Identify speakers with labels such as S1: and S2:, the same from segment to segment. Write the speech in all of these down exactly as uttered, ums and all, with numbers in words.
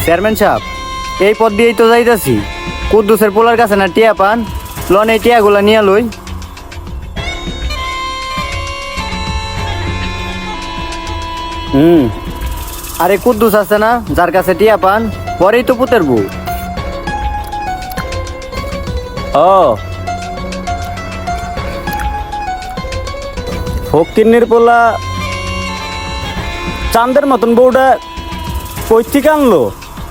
S1: Chairman সাহেব, এই পথ দিয়েই তো যাইতাছি। কুদ্দুসের পোলার কাছে না টিয়া পান, লন এই টিয়াগুলা নিয়ে লই। হুম, আরে কুদ্দুস আছে না, যার কাছে টিয়া পান, পরেই তো পুতের বউ।
S2: ও ফকিন্নির পোলা চাঁদের মতন বউটা কই থেকে আনলো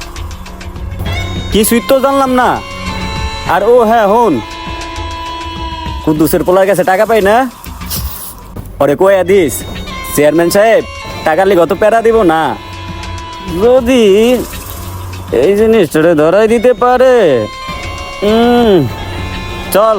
S2: কিছুই তো জানলাম না। আর ও হ্যাঁ হন, কুদ্দুসের পোলার কাছে টাকা পাই না, ওরে কয়া দিস চেয়ারম্যান সাহেব টাকার লিগে অত প্যারা দিব না। যদি এই জিনিসটা ধরাই দিতে পারে, হুম চল।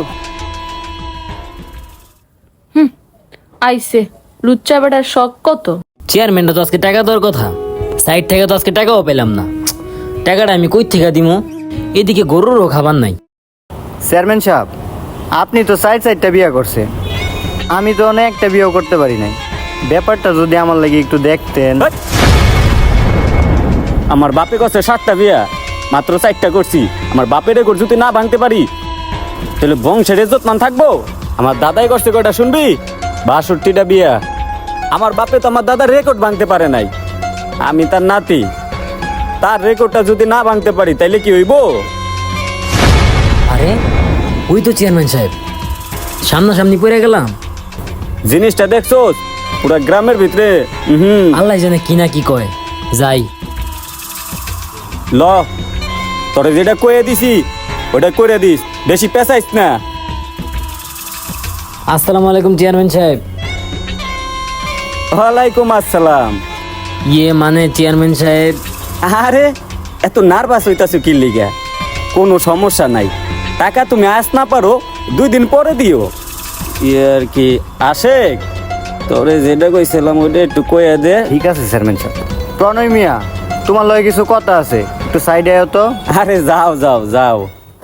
S3: আইসে লুচ্চা বেটার শখ কত।
S4: চেয়ারম্যানটা তো আজকে টাকা দেওয়ার কথা, সাইড থেকে তো আজকে টাকাও পেলাম না। টাকাটা আমি কই থেকে দিমু? এদিকে গরুরও খাবার নাই।
S1: চেয়ারম্যান সাহেব, আপনি তো সাইড সাইডটা বিয়ে করছেন, আমি তো অনেকটা বিয়েও করতে পারি নাই। ব্যাপারটা যদি আমার লাগে একটু দেখতেন।
S2: হেৎ! আমার বাপে করছে সাতটা বিয়া, মাত্র চারটা করছি। আমার বাপের রেকর্ড যদি না ভাঙতে পারি তাহলে বংশের ইজ্জত মান থাকবো? আমার দাদাই করছে কয়টা শুনবি? বাষট্টিটা বিয়া। আমার বাপে তো আমার দাদার রেকর্ড ভাঙতে পারে নাই, আমি তার নাতি, তার রেকর্ডটা যদি না ভাঙতে পারি তাইলে কি হইব?
S4: আরে ওই তো চেয়ারম্যান সাহেব, সামনাসামনি পড়ে গেলাম।
S2: জিনিসটা দেখছো পুরা গ্রামের ভিতরে? হুম
S4: আল্লাহ জানে কি না কি কয়। যাই
S2: ল, তোরে যেটা কয়ে দিছি ওটা করে দিস, বেশি পেঁচাইস না।
S4: আসসালামু আলাইকুম চেয়ারম্যান সাহেব।
S2: ওয়ালাইকুম আসসালাম।
S4: ইয়ে মানে চেয়ারম্যান সাহেব,
S2: আরে এত নার্ভাস হইতাছো কি লিগা? কোনো সমস্যা নাই, টাকা তুমি আস না পারো দুই দিন পরে দিও। ইয়ার কি আশেক, তোরে যেটা কইছিলাম ওইটা একটু কয়ে দে।
S1: ঠিক আছে চেয়ারম্যান সাহেব। প্রণয় মিয়া, তোমার লগে কিছু কথা আছে, একটু সাইডে আয় তো।
S2: আরে যাও যাও যাও।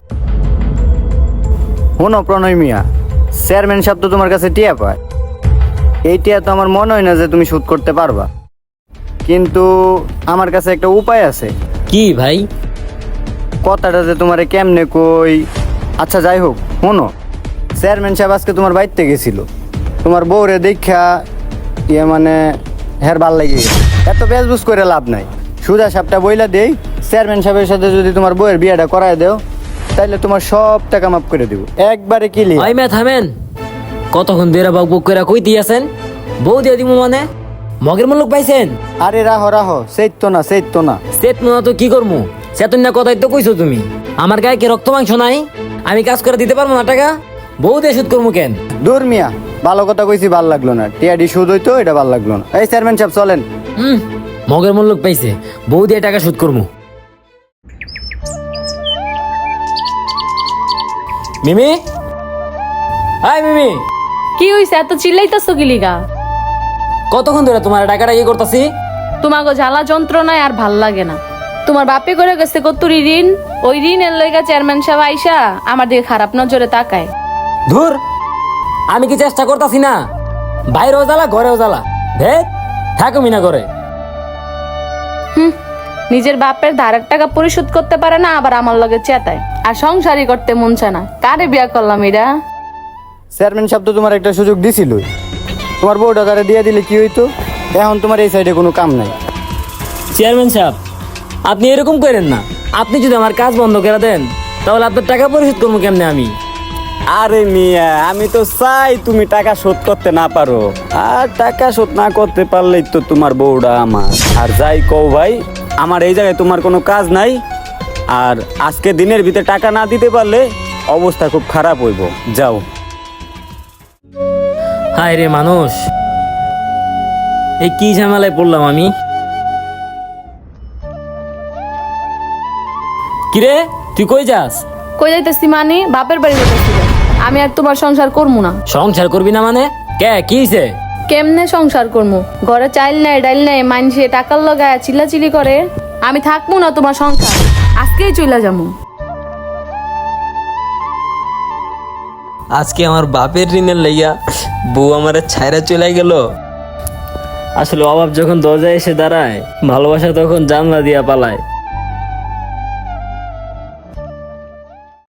S1: শোনো প্রণয় মিয়া, চেয়ারম্যান সাহেব তো তোমার কাছে টিয়া পায়। এই টিয়া তো আমার মনে হয় না যে তুমি শোধ করতে পারবা, কিন্তু আমার কাছে একটা উপায় আছে।
S4: কি ভাই?
S1: কথাটা যে তোমারে কেমনে কই, আচ্ছা যাই হোক, শোনো। চেয়ারম্যান সাহেব আজকে তোমার বাড়িতে গেছিল, তোমার বউরে দেখা ইয়ে মানে হের ভাল লাগে গেছে। এত বেজবুজ করে লাভ নাই, সুজা সাপটা বইলা দেই, চেয়ারম্যান সাহেবের সাথে যদি তোমার বউয়ের বিয়েটা করায় দেও তাইলে তোমার সব টাকা মাফ করে দেবো একবারে। কি
S4: ওই মে থামেন, কতক্ষণ দেরা বাক বুক করে কই দিয়েছেন? বউ দিয়ে দিমু মানে মগের মূল্য পাইছেন?
S1: আরে রাহো রাহো, সেই তো না সেই তো না।
S4: সেট না তো কি করমু? সেতন না কথাই তো কইছো তুমি। আমার গায়ে কি রক্ত মাংস নাই? আমি কাজ করে দিতে পারবো না টাকা? বউ দিয়ে শুধ করমু কেন?
S1: দূর মিয়া, ভালো কথা কইছি, ভাল লাগলো না। টিয়াডি সুদ হইতো, এটা ভাল লাগলো না। এই চেয়ারম্যান সাহেব চলেন।
S4: হুম, মগের মূল্য পাইছে, বউ দিয়ে টাকা শুধ করমু। মিমি, হাই মিমি,
S3: কি হইছে এত চিল্লাইতাছো কি লিগা?
S4: কতক্ষণ ধরে তোমার টাকাটা ইয়ে করতেছি?
S3: তোমাকে জ্বালা যন্ত্রণায় আর ভাল লাগে না। তোমার বাপে করে গেছে কতুরি ঋণ, ওই ঋণের লইগা চেয়ারম্যান সাহেব আইসা আমার দিকে খারাপ নজরে তাকায়।
S4: ধুর, আমি কি চেষ্টা করতেছি না? বাইরেও জ্বালা ঘরেও জ্বালা, ভেদ থাকো মিনা করে।
S3: হুম, নিজের বাপের ধারের টাকা পরিশোধ করতে পারে না, আবার আমার লগে চেতায়। আর সংসারই করতে মন চায় না। কারে বিয়া করলাম এরা?
S1: চেয়ারম্যান সাহেব তো তোমার একটা সুযোগ দিছিল, তোমার বউটা তারা দিয়ে দিলে কি হইতো? এখন তোমার এই সাইডে কোনো কাম নাই।
S4: চেয়ারম্যান সাহেব, আপনি এরকম করেন না। আপনি যদি আমার কাজ বন্ধ করে দেন তাহলে আপনার টাকা পরিশোধ করবো কেমনে আমি?
S2: আরে মিয়া, আমি তো চাই তুমি টাকা শোধ করতে না পারো। আর টাকা শোধ না করতে পারলেই তো তোমার বউটা আমার। আর যাই কও ভাই, আমার এই জায়গায় তোমার কোনো কাজ নাই। আর আজকে দিনের ভিতরে টাকা না দিতে পারলে অবস্থা খুব খারাপ হইব। যাও।
S4: হায় রে মানুষ, এই কি ঝামেলায় পড়লাম আমি? কিরে তুই কই যাস?
S3: কই যাইতেছি মানে বাপের বাড়ি যাইতেছি। আমি আর তোমার সংসার করবো না।
S4: সংসার করবি না মানে? কে কি হইছে?
S3: কেমনে সংসার করবো? ঘরে চাইল নাই ডাইল নাই, মাইনসে টাকার লগায় চিল্লাচিলি করে। আমি থাকবো না তোমার সংসার, আজকেই চলে যাবো।
S5: আজকে আমার বাপের ঋণের লাইয়া বউ আমার ছাইরা চলে গেল।
S4: আসলে অভাব যখন দরজায় এসে দাঁড়ায়, ভালোবাসা তখন জানলা দিয়া পালায়।